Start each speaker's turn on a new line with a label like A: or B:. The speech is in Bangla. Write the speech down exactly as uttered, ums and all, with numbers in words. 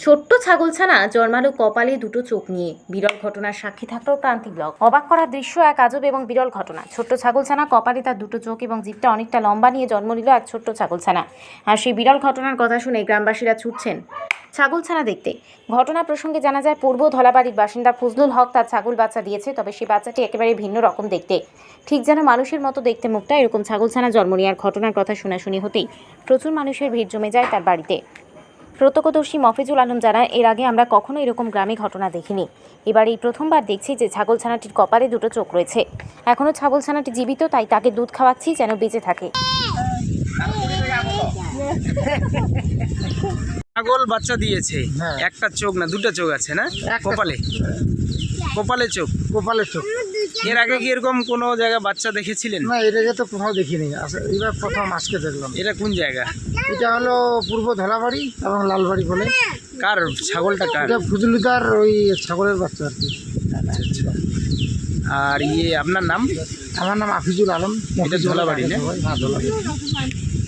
A: ছোট্ট ছাগলছানা জন্মালো কপালে দুটো চোখ নিয়ে। বিরল ঘটনার সাক্ষী থাকলো ক্রান্তি ব্লগ। অবাক করার দৃশ্য এক আজব এবং বিরল ঘটনা। ছোট্ট ছাগলছানা কপালে তার দুটো চোখ এবং জিভটা অনেকটা লম্বা নিয়ে জন্ম নিল এক ছোট্ট ছাগলছানা। আর সেই বিরল ঘটনার কথা শুনে গ্রামবাসীরা ছুটছেন ছাগলছানা দেখতে। ঘটনা প্রসঙ্গে জানা যায়, পূর্ব ধলাবাড়ির বাসিন্দা ফজলুল হক তার ছাগল বাচ্চা দিয়েছে। তবে সেই বাচ্চাটি একেবারে ভিন্ন রকম দেখতে, ঠিক যেন মানুষের মতো দেখতে মুখটা। এরকম ছাগলছানা জন্ম নেওয়ার ঘটনার কথা শোনাশুনি হতেই প্রচুর মানুষের ভিড় জমে যায় তার বাড়িতে। প্রত্যক্ষদর্শী মফিজুল আলম জানায়, এর আগে আমরা কখনো এরকম গ্রামে ঘটনা দেখিনি। এবার এই প্রথমবার দেখছি যে ছাগলছানাটির কপালে দুটো চোখ রয়েছে। এখনও ছাগলছানাটি জীবিত, তাই তাকে দুধ খাওয়াচ্ছি যেন বেঁচে থাকে।
B: ছাগল বাচ্চা দিয়েছে, একটা চোখ না দুটো চোখ আছে না কপালে? কপালে চোখ,
C: কপালে চোখ।
B: এর আগে কি এরকম কোনো জায়গায় বাচ্চা দেখেছিলেন?
C: না, এর আগে তো কোথাও দেখিনি, এবার প্রথম আজকে দেখলাম।
B: এটা কোন জায়গা?
C: এটা হলো পূর্ব ধলাবাড়ি এবং লালবাড়ি বলে।
B: কার ছাগলটা? কার?
C: এটা ফজলুদার ওই ছাগলের বাচ্চা আর কি।
B: আচ্ছা আচ্ছা। আর ইয়ে আপনার নাম?
C: আমার নাম আফিজুল আলম।
B: এটা ধলাবাড়ি না?
C: হ্যাঁ, ধলাবাড়ি।